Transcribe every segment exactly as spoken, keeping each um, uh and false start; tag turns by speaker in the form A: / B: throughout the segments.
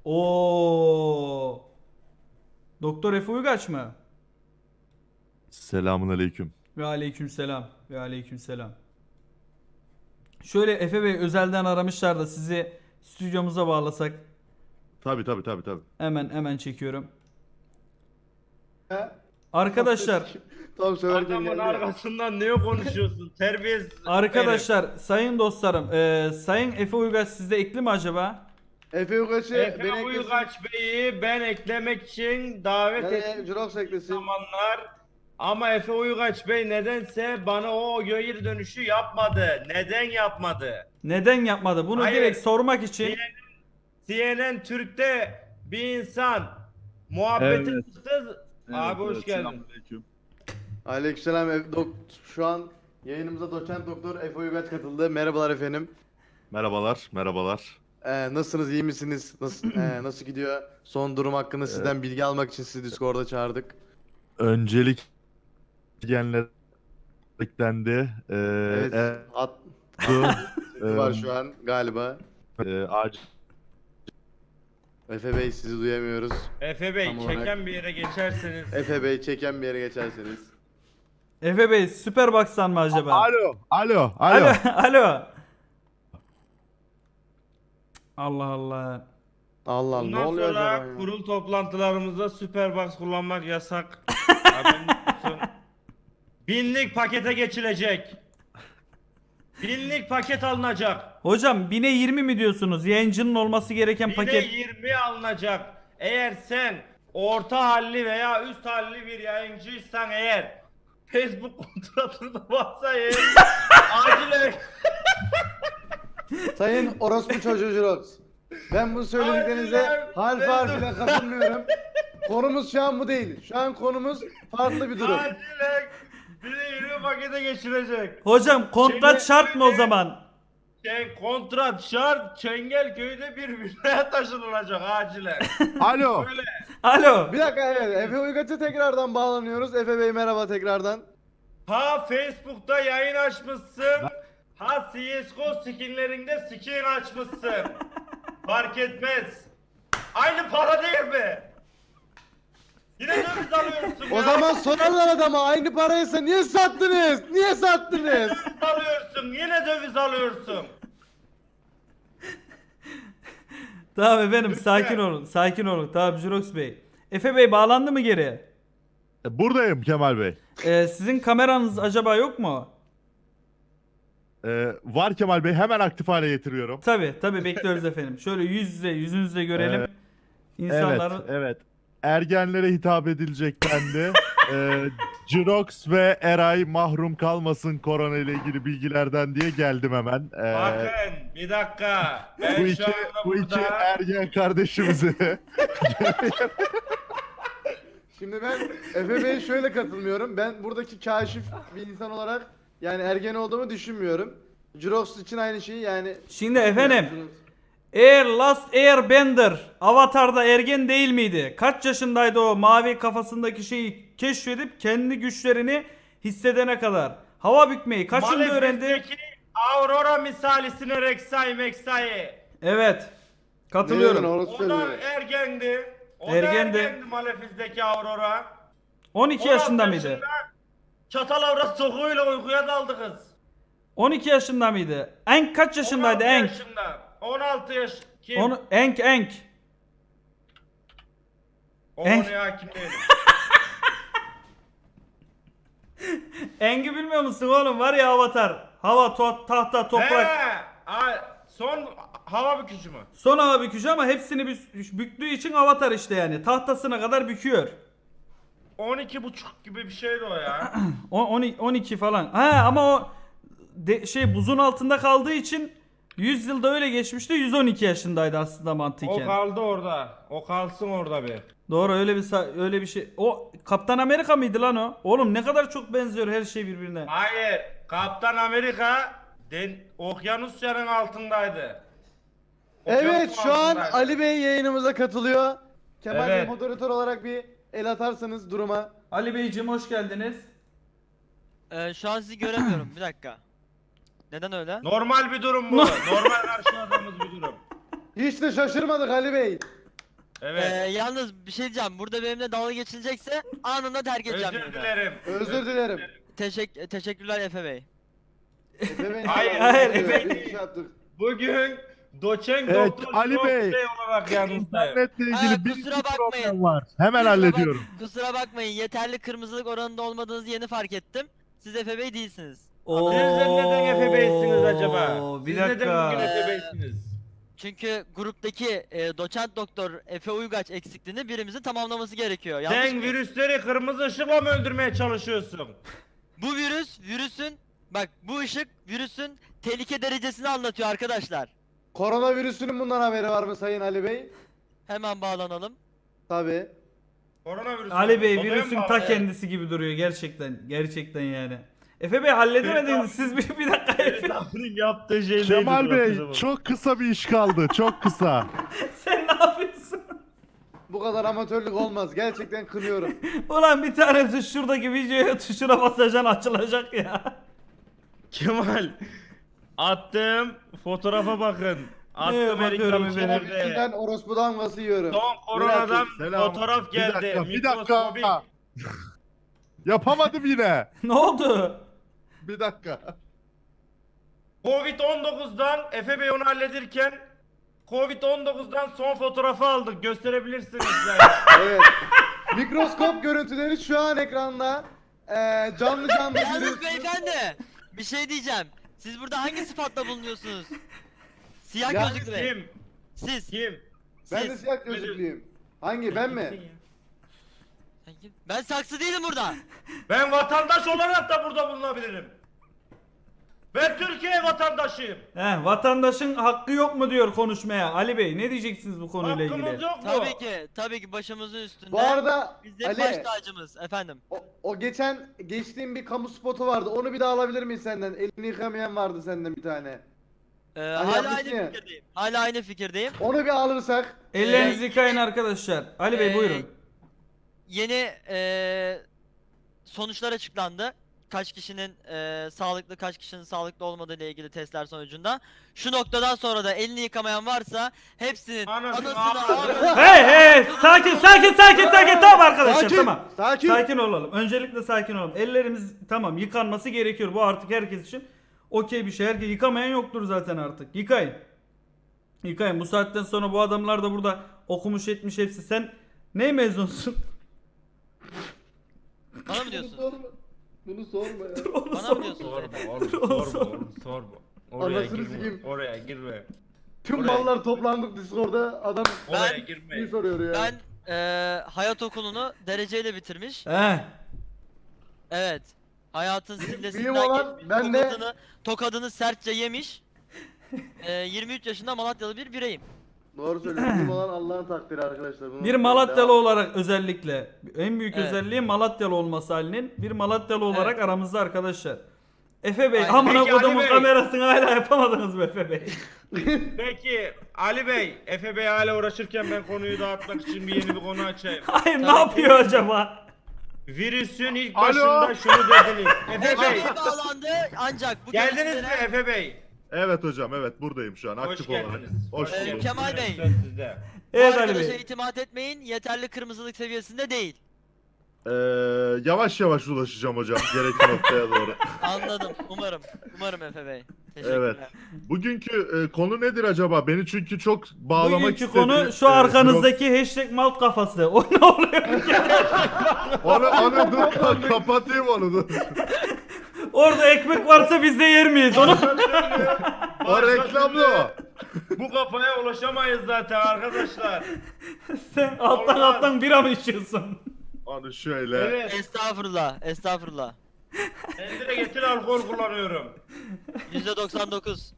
A: Oo. Doktor Efe Uygaç mı?
B: Selamun aleyküm.
A: Ve aleykümselam. Ve aleykümselam. Şöyle Efe Bey özelden aramışlar da sizi stüdyomuza bağlasak.
B: Tabi tabi tabi tabi.
A: Hemen hemen çekiyorum.
C: Ya,
A: Arkadaşlar,
C: tam söylerken
D: Adamın
C: geldi ya.
D: arkasından ne konuşuyorsun? Terbiyesiz.
A: arkadaşlar, sayın dostlarım, eee, sayın Efe Uygaç sizde ekli mi acaba?
C: Efe Ugaç'ı
D: Efe
C: beni eklesin.
D: Uygaç Bey'i ben eklemek için davet
C: Yani
D: ettiğim
C: Jurox eklesin.
D: zamanlar ama Efe Uygaç Bey nedense bana o geri dönüşü yapmadı. Neden yapmadı?
A: Neden yapmadı? Bunu
D: Hayır.
A: direkt sormak için.
D: C N N Türk'te bir insan muhabbetin
B: Evet.
D: çıktı. Abi hoş geldin.
B: Selamünaleyküm.
C: Aleykümselam. Efe- dok- Şu an yayınımıza doçent doktor Efe Ugaç katıldı. Merhabalar efendim.
B: Merhabalar, merhabalar.
C: Ee, nasılsınız? İyi misiniz? Nasıl ee, nasıl gidiyor? Son durum hakkında sizden bilgi almak için sizi Discord'a çağırdık.
B: Öncelik genler eklendi. Ee,
C: Evet.
B: e-
C: At
B: du-
C: var
B: e,
C: şu an galiba.
B: e, acil
C: Efe Bey sizi duyamıyoruz.
D: Efe Bey
C: Tam olarak-
D: çeken bir yere geçerseniz.
C: Efe Bey çeken bir yere geçerseniz.
A: Efe Bey Superbox'tan mı acaba?
B: Alo, alo,
A: Alo.
B: alo.
A: Alo. Allah Allah.
C: Allah Allah ne
D: Bundan
C: oluyor
D: sonra
C: acaba ya?
D: kurul toplantılarımızda Superbox kullanmak yasak. Haberiniz olsun. Binlik pakete geçilecek. Binlik paket alınacak.
A: Hocam bine yirmi mi diyorsunuz? Yayıncının olması gereken
D: Bir de
A: paket.
D: yirmi alınacak. Eğer sen orta halli veya üst halli bir yayıncıysan eğer Facebook kontratında varsa eğer acilen
C: Sayın orospu çocuğu Jurox. Ben bu söylediklerinize
D: Harbiden
C: harf
D: ben de-
C: harfine katılmıyorum. Konumuz şu an bu değil. Şu an konumuz farklı bir durum.
D: acilen bir de yirmi pakete geçilecek.
A: Hocam kontrat
D: Şimdi-
A: şart mı o zaman?
D: Şey, kontrat şart Çengelköy'de bir villaya taşınılacak acilen.
B: Alo.
D: Böyle.
A: Alo.
C: Bir dakika evet Efe Uygaç'a tekrardan bağlanıyoruz. Efe Bey merhaba tekrardan.
D: Ha Facebook'ta yayın açmışsın. Ha C S G O skinlerinde skin açmışsın. Fark etmez. Aynı para değil mi? Yine döviz alıyorsun ya.
C: O zaman sorarlar adama aynı paraysa niye sattınız? Niye sattınız?
D: Döviz alıyorsun. Yine döviz alıyorsun.
A: Tamam efendim sakin olun. Sakin olun. Tamam Jurox Bey. Efe Bey bağlandı mı geri?
B: E, Buradayım Kemal Bey.
A: Ee, sizin kameranız acaba yok mu?
B: E, var Kemal Bey, hemen aktif hale getiriyorum.
A: Tabi tabi bekliyoruz efendim. Şöyle yüz yüze yüzünüzle görelim.
B: Ee,
A: İnsanları.
B: Evet, evet. Ergenlere hitap edilecek dendi. e, Jirox ve Eray mahrum kalmasın korona ile ilgili bilgilerden diye geldim hemen. E,
D: Bakın bir dakika. Ben
B: bu
D: şu
B: iki,
D: anda
B: bu iki
D: burada
B: ergen kardeşimizi
C: Şimdi ben Efe Bey'e şöyle katılmıyorum. Ben buradaki kaşif bir insan olarak yani ergen olduğumu düşünmüyorum. Jurox için aynı şeyi yani.
A: Şimdi efendim. Air Last Airbender Avatar'da ergen değil miydi? Kaç yaşındaydı o mavi kafasındaki şeyi keşfedip kendi güçlerini hissedene kadar? Hava bükmeyi kaçında öğrendi?
D: Malefic'teki Aurora misalisine Rek'Sai Mek'Sai.
A: Evet.
C: Ne
A: Katılıyorum.
C: diyorsun,
D: O
C: orası
D: da
C: söylüyor.
D: ergendi. O
A: Ergendi.
D: da ergendi Malefiz'deki Aurora.
A: on iki
D: on altı
A: yaşında mıydı?
D: Çatal avrat sokuğuyla uykuya daldı kız.
A: on iki yaşında mıydı? Enk kaç yaşındaydı
D: on altı
A: Enk?
D: yaşında. on altı yaş. Kim?
A: Onu Enk Enk.
D: O
A: Enk.
D: konuya hakim değilim.
A: Enk'i bilmiyor musun oğlum? Var ya Avatar. Hava, to- tahta, toprak.
D: He, a- son hava bükücü mü?
A: Son hava bükücü ama hepsini bü- büktüğü için Avatar işte yani. Tahtasına kadar büküyor.
D: on iki buçuk gibi bir şeydi o ya.
A: O- on- on iki falan. Ha ama o de- şey buzun altında kaldığı için yüz yılda öyle geçmişti. yüz on iki yaşındaydı aslında
D: O
A: mantıken.
D: kaldı orada. O kalsın orada bir.
A: Doğru öyle bir sa- öyle bir şey. O Kaptan Amerika mıydı lan o? Oğlum ne kadar çok benziyor her şey birbirine.
D: Hayır. Kaptan Amerika den Okyanusya'nın altındaydı.
C: Evet
D: Okyanusun
C: şu an
D: altındaydı.
C: Ali Bey yayınımıza katılıyor. Kemal Bey
D: Evet.
C: moderatör olarak bir el atarsanız duruma.
A: Ali Beyciğim hoş geldiniz.
E: Ee, şu an sizi göremiyorum. Bir dakika. Neden öyle?
D: Normal bir durum bu. Normal karşıladığımız bir durum.
C: Hiç de şaşırmadık Ali Bey.
D: Evet.
E: Ee, yalnız bir şey diyeceğim. Burada benimle dalga geçilecekse anında terk edeceğim.
D: Özür
E: yayını.
D: dilerim.
C: Özür dilerim.
E: Teşekkür teşekkürler Efe Bey.
C: Efe Bey.
D: Hayır,
A: hayır,
C: Efe
D: Efe-
C: Bey. Şey yaptık.
D: Bugün doçent
B: Evet,
D: doktor
B: Ali
D: Jirox
B: Bey.
D: olarak yanınızdayım.
B: İnternetle ilgili
E: Ha,
B: bir
E: kusura
B: iki
E: bakmayın.
B: problem var. Hemen
E: Kusura bak-
B: hallediyorum.
E: Kusura bakmayın. Yeterli kırmızılık oranında olmadığınızı yeni fark ettim. Siz Efe Bey değilsiniz.
A: Oo,
D: Siz neden Efe Bey'siniz acaba?
A: Bir
D: Siz
A: dakika.
D: neden bugün Efe Bey'siniz?
E: Çünkü gruptaki e, doçent doktor Efe Uygaç eksikliğini birimizin tamamlaması gerekiyor. Yanlış
D: Sen
E: mı?
D: virüsleri kırmızı ışıkla mı öldürmeye çalışıyorsun?
E: Bu virüs, virüsün bak bu ışık virüsün tehlike derecesini anlatıyor arkadaşlar.
C: Koronavirüsünün bundan haberi var mı Sayın Ali Bey?
E: Hemen bağlanalım.
C: Tabii.
D: Koronavirüs.
A: Ali Bey
D: Odaya
A: virüsün
D: mı
A: ta
D: bağlı?
A: kendisi gibi duruyor gerçekten. Gerçekten yani. Efe Bey halledemediniz siz bir, bir dakika.
D: Ferit abinin yaptığı şey neydi?
B: Kemal Bey
D: bırakacağım.
B: çok kısa bir iş kaldı. Çok kısa.
A: Sen ne yapıyorsun?
C: Bu kadar amatörlük olmaz. Gerçekten kınıyorum.
A: Ulan bir tanesi şuradaki videoya tuşuna basacaksın açılacak ya.
D: Kemal. Attığım fotoğrafa bakın. Attığım
A: Evet, bakıyorum
D: Erik'ten
A: efendim.
D: içeride.
C: Ben orospu damgası yiyorum.
D: Son koronadan
B: Selam.
D: fotoğraf
B: Bir
D: geldi.
B: dakika, bir
D: Mikroskobik.
B: dakika. Yapamadım yine.
A: Ne oldu?
B: Bir dakika.
D: Covid on dokuzdan Efe Bey onu halledirken Covid on dokuzdan son fotoğrafı aldık. Gösterebilirsiniz yani.
C: Evet. Mikroskop görüntüleri şu an ekranda. Ee, canlı canlı
E: Yalnız
C: görüyorsunuz.
E: beyefendi bir şey diyeceğim. Siz burada hangi sıfatla bulunuyorsunuz? Siyah
C: Ya
E: gözlüklü bey.
D: Kim?
E: Siz.
D: Kim?
C: Ben de
E: Siz.
C: siyah gözlüklüyüm. Hangi ben mi?
E: Ben saksı değilim burada.
D: Ben vatandaş olarak da burada bulunabilirim. Ben Türkiye vatandaşıyım.
A: He, vatandaşın hakkı yok mu diyor konuşmaya. Ali Bey ne diyeceksiniz bu konuyla ilgili?
D: Hakkımız yok mu?
E: Tabii ki, tabii ki başımızın üstünde.
C: Bu arada
E: Bizde
C: Ali
E: baş tacımız efendim.
C: o, o geçen geçtiğim bir kamu spotu vardı. Onu bir daha alabilir miyiz senden? Elini yıkamayan vardı senden bir tane.
E: Ee,
C: Hani
E: hala
C: yapmışsın
E: aynı
C: ya.
E: fikirdeyim. Hala aynı fikirdeyim.
C: Onu bir alırsak.
A: Ellerinizi yıkayın arkadaşlar. Ali Bey
E: Ee,
A: buyurun.
E: Yeni eee sonuçlar açıklandı. Kaç kişinin eee, sağlıklı, kaç kişinin sağlıklı olmadığı ile ilgili testler sonucunda. Şu noktadan sonra da elini yıkamayan varsa hepsinin
D: Anasını
E: anasını
D: ağlatın.
E: ağlatın.
A: Hey hey sakin sakin sakin sakin tamam arkadaşlar
C: Sakin,
A: tamam.
C: sakin.
A: Sakin olalım. Öncelikle sakin olalım. Ellerimiz tamam yıkanması gerekiyor. Bu artık herkes için okey bir şey. Herkes yıkamayan yoktur zaten artık. Yıkayın. Yıkayın. Bu saatten sonra bu adamlar da burada okumuş etmiş hepsi. Sen ne mezunsun?
E: Bana mı
C: Bunu
E: diyorsun?
C: sorma. Bunu sorma ya.
A: Onu
E: Bana
A: sor.
E: mı diyorsun?
D: Sorma
E: beyefendi?
D: oğlum, sorma oğlum, sorma. Oraya
C: Anasını
D: girme,
C: sikeyim.
D: oraya girme.
C: Tüm
D: Oraya-
C: mallar toplandık Discord'da. Adam
D: Oraya
E: Ben-
D: girme.
C: bir soruyor ya.
E: Ben eee, hayat okulunu dereceyle bitirmiş.
A: He.
E: Evet. Hayatın
C: Mühim
E: sillesinden
C: olan
E: geçmiş,
C: ben de-
E: tokadını, tokadını sertçe yemiş. Eee, yirmi üç yaşında Malatyalı bir bireyim.
C: Doğru söylüyorsun. Bizim olan Allah'ın takdiri arkadaşlar. Bunu
A: Bir Malatyalı olarak özellikle en büyük
E: Evet.
A: özelliği Malatyalı olması halinin bir Malatyalı olarak
E: Evet.
A: aramızda arkadaşlar. Efe Bey
E: Aynen.
A: amına
D: Peki Ali
A: kodumun
D: Bey.
A: kamerasını hala yapamadınız mı Efe Bey?
D: Peki Ali Bey, Efe Bey hala uğraşırken ben konuyu dağıtmak için bir yeni bir konu açayım.
A: Hayır ne
E: Tabii
A: yapıyor acaba?
D: Virüsün ilk
B: Alo?
D: başında şunu dediniz. Efe
E: Efe
D: Bey,
E: Bey bağlandı ancak bu
D: geldiniz mi
E: görüntülere-
D: Efe Bey?
B: Evet hocam, evet buradayım şu an
D: Hoş
B: aktif olarak.
D: geldiniz.
B: Hoş
E: Ee,
B: bulduk.
E: Kemal Bey.
D: Söz sizde.
E: Bu
A: Evet Ali
E: arkadaşa
A: Bey.
E: itimat etmeyin. Yeterli kırmızılık seviyesinde değil.
B: Ee, yavaş yavaş ulaşacağım hocam gerekli noktaya doğru.
E: Anladım. Umarım. Umarım Efe Bey. Teşekkürler.
B: Evet. Bugünkü e, konu nedir acaba? Beni çünkü çok bağlamak
A: Bugünkü
B: istedi.
A: konu şu
B: Ee,
A: arkanızdaki hashtag malt kafası. O ne oluyor?
B: Onu, onu dur ka- kapatayım onu dur.
A: Orada ekmek varsa biz de yer miyiz onu?
B: O reklamlı o.
D: Bu kafaya ulaşamayız zaten arkadaşlar.
A: Sen alttan
D: Olmaz.
A: alttan bira mı içiyorsun?
B: Onu şöyle.
D: Evet.
E: Estağfurullah. Estağfurullah.
D: Kendine getir alkol kullanıyorum.
E: yüzde doksan dokuz.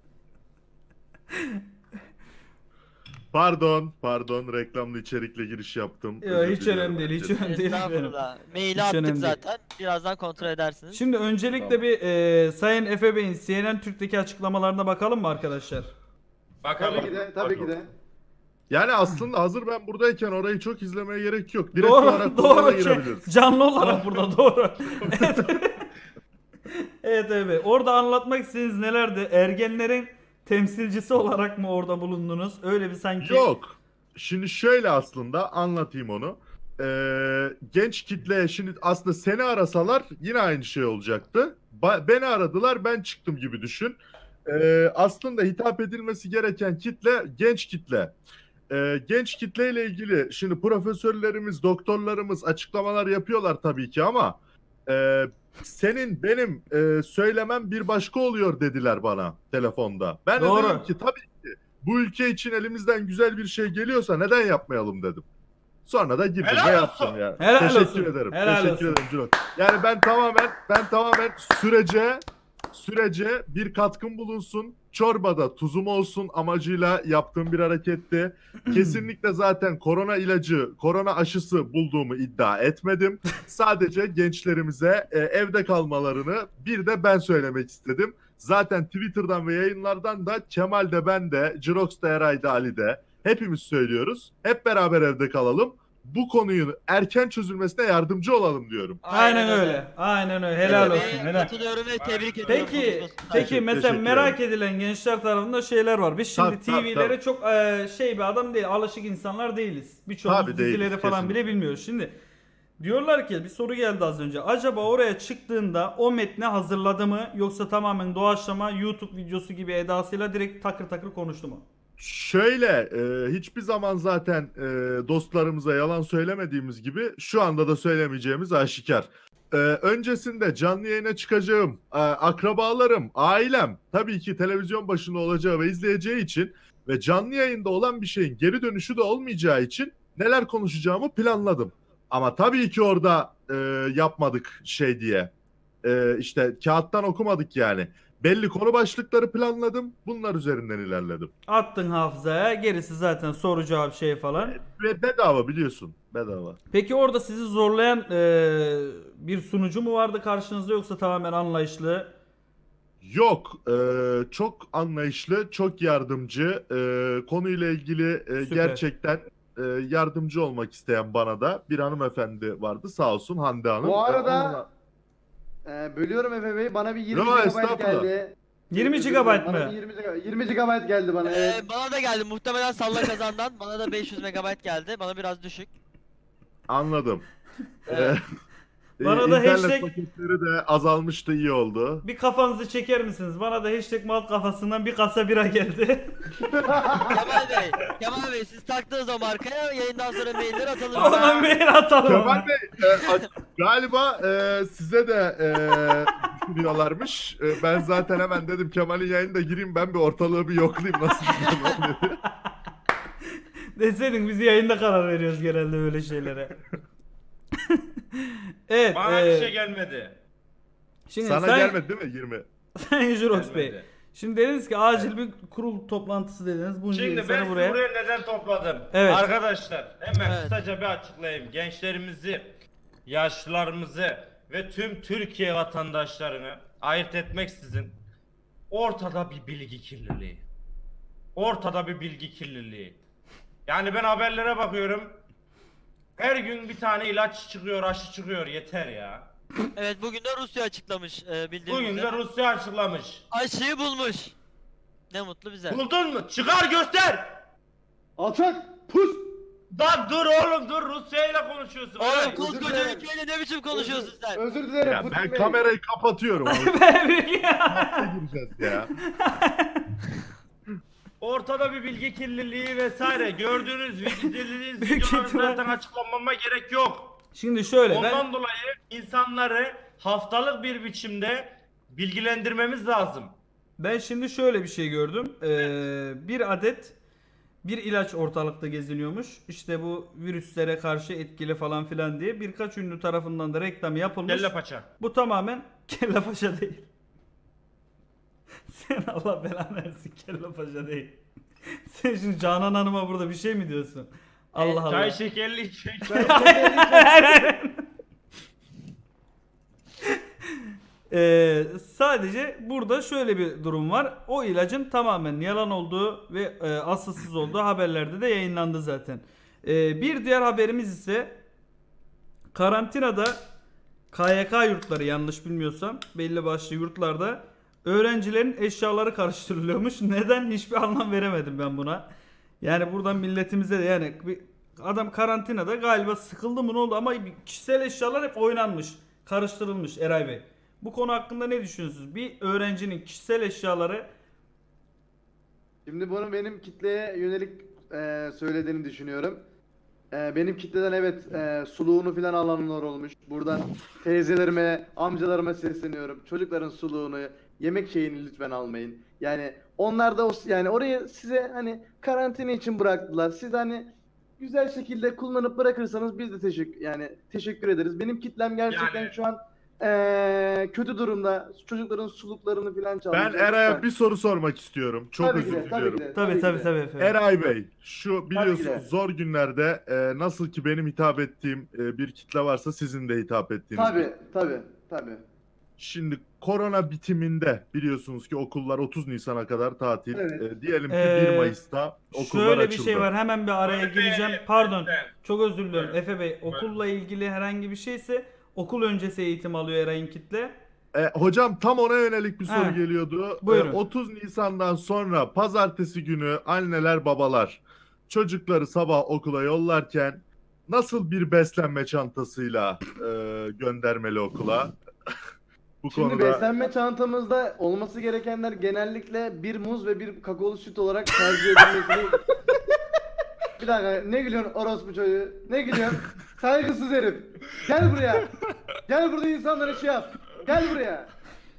B: Pardon, pardon reklamlı içerikle giriş yaptım.
A: Yok
B: Özür
A: hiç
B: diliyorum
A: önemli değil hiç
B: herkese.
A: önemli değil. efendim.
E: Estağfurullah. Maili
A: Hiç
E: attık
A: önemli değil.
E: zaten. Birazdan kontrol edersiniz.
A: Şimdi öncelikle
B: Tamam.
A: bir e, Sayın Efe Bey'in C N N Türk'teki açıklamalarına bakalım mı arkadaşlar?
D: Bakalım.
C: Tabii ki de, tabii ki de.
B: Yani aslında hazır ben buradayken orayı çok izlemeye gerek yok. Direkt
A: Doğru
B: olarak konuya
A: doğru şey,
B: girebiliriz.
A: canlı olarak burada doğru. Evet. Evet evet. Orada anlatmak istediğiniz nelerdi? Ergenlerin temsilcisi olarak mı orada bulundunuz? Öyle bir sanki.
B: Yok. şimdi şöyle aslında anlatayım onu. Ee, genç kitle şimdi aslında seni arasalar yine aynı şey olacaktı. Ba- beni aradılar, ben çıktım gibi düşün. Ee, aslında hitap edilmesi gereken kitle genç kitle. Ee, genç kitleyle ilgili şimdi profesörlerimiz, doktorlarımız açıklamalar yapıyorlar tabii ki ama e, senin benim e, söylemem bir başka oluyor dediler bana telefonda. Ben
A: Doğru.
B: de dedim ki tabii ki bu ülke için elimizden güzel bir şey geliyorsa neden yapmayalım dedim. Sonra da girdim
D: Helal
B: ve yaptım
D: olsun.
B: ya.
A: Helal
B: Teşekkür
A: olsun.
B: ederim.
A: Helal
B: Teşekkür
A: olsun.
B: ederim Cüneyt. Yani ben tamamen ben tamamen sürece sürece bir katkım bulunsun. Çorbada tuzum olsun amacıyla yaptığım bir hareketti. Kesinlikle zaten korona ilacı, korona aşısı bulduğumu iddia etmedim. Sadece gençlerimize e, evde kalmalarını bir de ben söylemek istedim. Zaten Twitter'dan ve yayınlardan da Kemal de ben de, Jirox da Eray da Ali de hepimiz söylüyoruz. Hep beraber evde kalalım. Bu konunun erken çözülmesine yardımcı olalım diyorum.
A: Aynen öyle. Aynen öyle. Helal
E: Ve
A: olsun. Helal.
E: Katılıyorum ve tebrik ediyorum.
A: Peki,
E: konuşmasından.
A: peki
B: Teşekkür-
A: mesela
B: teşekkür
A: merak edilen gençler tarafında şeyler var. Biz şimdi
B: Tabii, tabii,
A: T V'lere
B: tabii.
A: çok e, şey bir adam değil, alışık insanlar değiliz. Birçoğumuz
B: Tabii değiliz,
A: dizileri falan
B: kesinlikle.
A: bile bilmiyoruz. Şimdi diyorlar ki bir soru geldi az önce. Acaba oraya çıktığında o metni hazırladı mı yoksa tamamen doğaçlama YouTube videosu gibi edasıyla direkt takır takır konuştu mu?
B: Şöyle e, hiçbir zaman zaten e, dostlarımıza yalan söylemediğimiz gibi şu anda da söylemeyeceğimiz aşikar. E, öncesinde canlı yayına çıkacağım, e, akrabalarım, ailem tabii ki televizyon başında olacağı ve izleyeceği için ve canlı yayında olan bir şeyin geri dönüşü de olmayacağı için neler konuşacağımı planladım. Ama tabii ki orada e, yapmadık şey diye. E, işte kağıttan okumadık yani. Belli konu başlıkları planladım. Bunlar üzerinden ilerledim.
A: Attın hafızaya, gerisi zaten soru cevap şey falan.
B: Ve bedava biliyorsun. Bedava.
A: Peki orada sizi zorlayan e, bir sunucu mu vardı karşınızda yoksa tamamen anlayışlı?
B: Yok. e, çok anlayışlı, çok yardımcı. E, konuyla ilgili e,
A: Süper.
B: gerçekten e, yardımcı olmak isteyen bana da bir hanımefendi vardı. Sağ olsun Hande Hanım.
C: Bu arada-
B: E, onunla-
C: Ee, bölüyorum Efe Bey. Bana bir yirmi
B: Yo,
C: gigabayt
B: estağfurullah.
C: geldi.
A: yirmi
C: Özür
A: gigabayt
C: dilerim, bana
A: mı?
C: bir yirmi gigabayt yirmi gigabayt geldi bana. Evet.
E: Ee, bana da geldi muhtemelen salla kazandan. Bana da beş yüz megabayt geldi. Bana biraz düşük.
B: Anladım.
E: Evet.
B: E,
A: Bana
B: e,
A: da
B: internet
A: hashtag-
B: paketleri de azalmıştı, iyi oldu.
A: Bir kafanızı çeker misiniz? Bana da hashtag mal kafasından bir kasa bira geldi.
E: Kemal Bey, Kemal Bey siz taktınız o markaya yayından sonra mailler atalım.
A: Ona mail atalım.
B: Kemal Bey e, a- galiba e, size de e, düşünüyorlarmış. E, ben zaten hemen dedim Kemal'in yayınına gireyim, ben bir ortalığı bir yoklayayım nasıl gidiyor dedi.
A: Deseydin biz yayında karar veriyoruz genelde böyle şeylere. Evet.
D: Bana
A: e,
D: bir şey gelmedi.
A: Şimdi
B: Sana
A: sen,
B: gelmedi değil mi yirmi?
A: Sayın Jurox Bey.
D: Gelmedi.
A: Şimdi dediniz ki acil bir kurul toplantısı dediniz. Bunca
D: Şimdi
A: insanı
D: ben sizi
A: buraya.
D: buraya neden topladım?
A: Evet.
D: Arkadaşlar hemen
E: Evet.
D: kısaca bir açıklayayım. Gençlerimizi, yaşlılarımızı ve tüm Türkiye vatandaşlarını ayırt etmeksizin ortada bir bilgi kirliliği. Ortada bir bilgi kirliliği. Yani ben haberlere bakıyorum. Her gün bir tane ilaç çıkıyor, aşı çıkıyor. Yeter ya.
E: Evet bugün de Rusya açıklamış e, bildiğiniz
D: Bugün de
E: üzere.
D: Rusya açıklamış.
E: Aşıyı bulmuş. Ne mutlu bize.
D: Buldun mu? Çıkar göster.
C: Alçak! Pus!
D: Lan dur oğlum dur, Rusya ile konuşuyorsun.
E: Oğlum
D: Eray.
E: koskoca
C: dilerim.
E: ülkeyle ne biçim konuşuyorsun sen?
C: Özür dilerim.
B: Ya
C: Putin
B: ben
C: Bey.
B: kamerayı kapatıyorum. Abi.
A: Ya.
B: gireceğiz ya.
D: Ortada bir bilgi kirliliği vesaire gördüğünüz izlediğiniz
A: Büyük
D: videoları
A: ihtimal-
D: zaten açıklamama gerek yok.
A: Şimdi şöyle
D: Ondan
A: ben
D: dolayı insanları haftalık bir biçimde bilgilendirmemiz lazım.
A: ben şimdi şöyle bir şey gördüm. Ee, bir adet bir ilaç ortalıkta geziniyormuş. İşte bu virüslere karşı etkili falan filan diye birkaç ünlü tarafından da reklam yapılmış.
D: Kelle paça.
A: Bu tamamen kelle paşa değil. Sen Allah belanı versin, kelle paşa değil. Sen şimdi Canan Hanım'a burada bir şey mi diyorsun? Allah Allah.
D: Çay şekerli içecek.
A: Ee, sadece burada şöyle bir durum var. O ilacın tamamen yalan olduğu ve e, asılsız olduğu haberlerde de yayınlandı zaten. Ee, bir diğer haberimiz ise karantinada K Y K yurtları, yanlış bilmiyorsam belli başlı yurtlarda öğrencilerin eşyaları karıştırılıyormuş. Neden? Hiçbir anlam veremedim ben buna. Yani buradan milletimize de yani bir adam karantinada galiba sıkıldı mı ne oldu ama kişisel eşyalar hep oynanmış, karıştırılmış Eray Bey. Bu konu hakkında ne düşünüyorsunuz? Bir öğrencinin kişisel eşyaları
C: Şimdi bunu benim kitleye yönelik e, söylediğini düşünüyorum. E, benim kitleden evet e, suluğunu falan alanlar olmuş. Buradan teyzelerime, amcalarıma sesleniyorum. Çocukların suluğunu, yemek şeyini lütfen almayın. Yani onlar da o, yani orayı size hani karantina için bıraktılar. Siz hani güzel şekilde kullanıp bırakırsanız biz de teşekkür yani teşekkür ederiz. Benim kitlem gerçekten
D: Yani-
C: şu an e, kötü durumda. Çocukların suluklarını falan çalmış.
B: Ben Eray'a bir soru sormak istiyorum. Çok
C: Tabii ki
B: özür
C: de, tabii
B: diliyorum.
C: ki de,
A: tabii
C: ki
A: tabii
C: de.
A: tabii efendim.
B: Eray Bey, şu biliyorsunuz
C: de.
B: zor günlerde e, nasıl ki benim hitap ettiğim e, bir kitle varsa sizin de hitap ettiğiniz bir-
C: Tabii, tabii, tabii.
B: Şimdi korona bitiminde biliyorsunuz ki okullar otuz Nisan'a kadar tatil.
C: Evet.
B: E, diyelim ki
A: Ee,
B: bir Mayıs'ta okullar
A: Şöyle
B: açıldı.
A: bir şey var hemen bir araya
D: Efe,
A: gireceğim. Pardon.
D: lütfen.
A: Çok özür diliyorum
D: Evet.
A: Efe Bey. Okulla ilgili herhangi bir şeyse okul öncesi eğitim alıyor Eray'ın kitle.
B: E, hocam tam ona yönelik bir soru
A: Ha,
B: geliyordu.
A: buyurun.
B: E, otuz Nisan'dan sonra pazartesi günü anneler babalar çocukları sabah okula yollarken nasıl bir beslenme çantasıyla e, göndermeli okula? Bu
C: Şimdi
B: konuda
C: beslenme çantamızda olması gerekenler genellikle bir muz ve bir kakaolu süt olarak tercih edilmesi. Bir dakika, ne gülüyorsun orospu çocuğu? Ne gülüyorsun? Saygısız herif. Gel buraya. Gel burada insanlara şey yap. Gel buraya.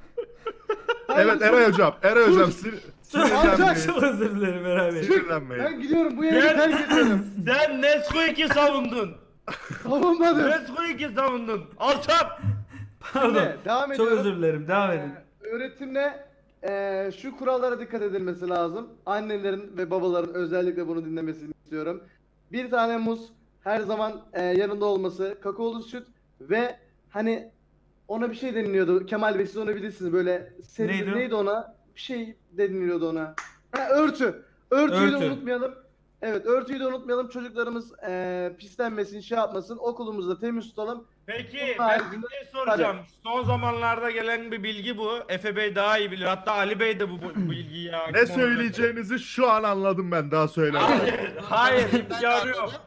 B: evet Eray hocam, Eray hocam sin- sinirlenmeyin.
A: Çok özür dilerim Eray Bey.
B: Sinirlenmeyin.
C: Ben gidiyorum, bu yeri
D: Gel.
C: terk ediyorum.
D: Sen Nesquik'i savundun.
C: Savunmadım.
D: Nesquik'i savundun. Alçak.
A: Pardon.
C: Şimdi devam
A: Çok
C: ediyorum.
A: özür dilerim. Devam edin.
C: Ee, öğretimde ee, şu kurallara dikkat edilmesi lazım. Annelerin ve babaların özellikle bunu dinlemesini istiyorum. Bir tane muz her zaman ee, yanında olması, kakaolu süt ve hani ona bir şey deniliyordu. Kemal Bey siz onu bilirsiniz böyle seri,
A: Neydi
C: neydi,
A: o?
C: ona? Bir şey deniliyordu ona. Ha, örtü. Örtüyü
A: Örtü.
C: de unutmayalım. Evet, örtüyü de unutmayalım. Çocuklarımız ee, pislenmesin, şey yapmasın. Okulumuzu da temiz tutalım.
D: Peki
C: Bunun
D: ben
C: haricinde-
D: bir şey soracağım. Son zamanlarda gelen bir bilgi bu. Efe Bey daha iyi bilir. Hatta Ali Bey de bu, bu, bu bilgiyi hakim
B: Ne
D: olabilir.
B: söyleyeceğinizi şu an anladım ben daha söylemedim.
D: Hayır, hayır.
E: Ben de
D: Bir arıyorum.
E: anladım.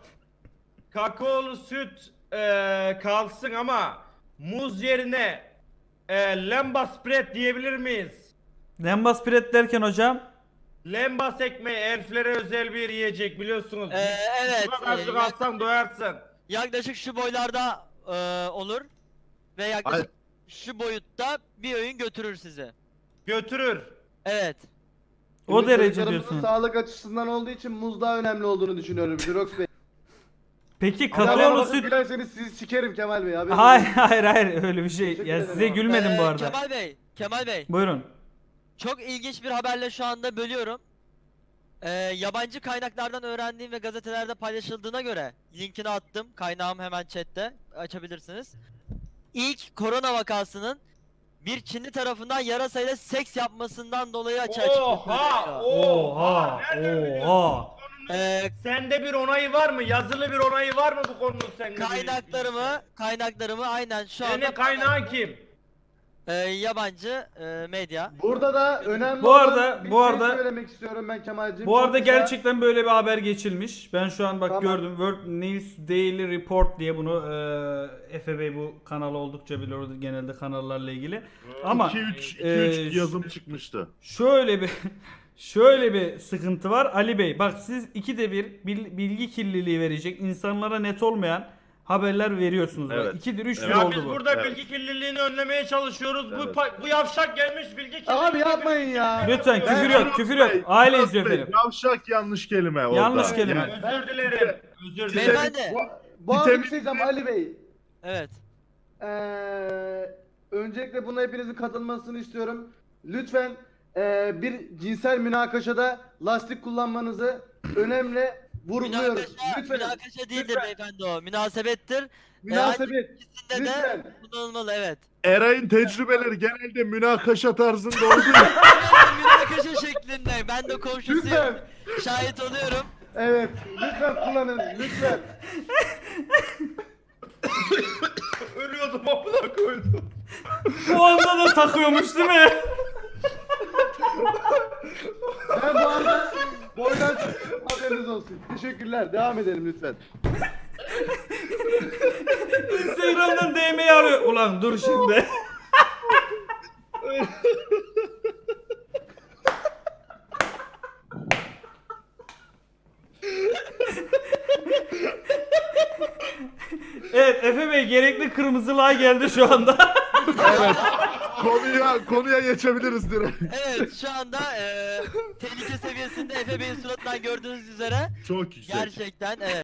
D: Kakaolu süt e, kalsın ama muz yerine e, lembas spread diyebilir miyiz?
A: Lembas Piret derken hocam.
D: Lembas ekmeği elflere özel bir yiyecek biliyorsunuz.
E: Ee, evet,
D: Şuna azıcık
E: e,
D: alsan doyarsın.
E: Yaklaşık şu boylarda e, olur ve yaklaşık şu boyutta bir öğün götürür sizi.
D: Götürür.
E: Evet.
A: O
C: Şimdi
A: derece
C: çocuklarımızın
A: diyorsun.
C: sağlık açısından olduğu için muz daha önemli olduğunu düşünüyorum Jirox Bey.
A: Peki
C: Ama
A: kakaolu
C: bakın
A: süt.
C: gülerseniz sizi sikerim Kemal Bey. haberiniz
A: Hayır
C: olsun.
A: hayır hayır öyle bir şey.
C: Teşekkür
A: Ya
C: ederim
A: size
C: abi.
A: gülmedim bu
E: Ee,
A: arada.
E: Kemal Bey, Kemal Bey.
A: Buyurun.
E: Çok ilginç bir haberle şu anda bölüyorum. Ee, yabancı kaynaklardan öğrendiğim ve gazetelerde paylaşıldığına göre linkini attım. Kaynağım hemen chatte. Açabilirsiniz. İlk korona vakasının bir Çinli tarafından yarasayla seks yapmasından dolayı açığa çıktı.
D: Oha!
A: Oha!
D: Nereden biliyorsun?
A: Oha!
E: Ee,
D: Sende bir onayı var mı? Yazılı bir onayı var mı bu konunun sende? bir-
E: kaynaklarımı, kaynaklarımı aynen şu anda
D: Senin kaynağın kim?
E: Ee, yabancı e, medya.
C: Burada da önemli
A: Bu
C: olan
A: arada-
C: bir
A: bu
C: şey
A: arada-
C: söylemek istiyorum ben Kemal'cim.
A: Bu
C: Çok
A: arada
C: güzel.
A: gerçekten böyle bir haber geçilmiş. Ben şu an bak
C: Tamam.
A: gördüm. World News Daily Report diye bunu e, Efe Bey bu kanalı oldukça biliyor genelde kanallarla ilgili. Ama
B: iki üç
A: e,
B: yazım çıkmıştı.
A: şöyle bir şöyle bir sıkıntı var Ali Bey. Bak siz ikide bir bil- bilgi kirliliği verecek insanlara net olmayan haberler veriyorsunuz. Bak.
B: Evet.
A: İkidir üçtür
B: Evet.
D: Ya
A: oldu
D: biz
A: bu.
D: burada
B: Evet.
D: bilgi kirliliğini önlemeye çalışıyoruz. Bu
B: Evet.
D: pa- bu yavşak gelmiş bilgi kirliliğini.
C: Abi yapmayın ya.
A: Lütfen
D: Ben-
A: küfür yok, küfür yok. Aile
B: Jirox
A: izliyor
B: Bey,
A: efendim.
B: Yavşak yanlış kelime orada.
A: Yanlış kelime.
B: Yani
D: Özür dilerim. Özür dilerim.
E: Beyefendi.
C: Bu, bu arada bir
B: Vitamin-
C: şey diyeceğim Ali Bey.
E: Evet.
C: Ee, öncelikle buna hepinizin katılmasını istiyorum. Lütfen ee, bir cinsel münakaşada lastik kullanmanızı önemli vurguluyoruz.
E: Münakaşa,
C: Lütfen.
E: münakaşa değildir
C: lütfen.
E: beyefendi o. Münasebettir.
C: Münasebet.
E: İkisinde de
C: Lütfen.
E: kullanılmalı evet.
B: Eray'ın tecrübeleri genelde münakaşa tarzında olduğu için
E: Münakaşa şeklinde. Ben de komşusuyum.
C: Lütfen.
E: Şahit oluyorum.
C: Evet. Lütfen kullanın. Lütfen.
D: Ölüyordum amına koydum.
A: Bu anda da takıyormuş değil mi?
C: Ben bu anda boydan Haberiniz olsun. Teşekkürler. Devam edelim lütfen.
A: Instagram'dan D M'yi arıyor. Ulan dur şimdi. Evet Efe Bey gerekli kırmızılığa geldi şu anda.
B: Evet. Konuya konuya geçebiliriz direkt.
E: Evet şu anda eee tehlike seviyesinde Efe Bey'in suratından gördüğünüz üzere
B: Çok yüksek.
E: gerçekten evet.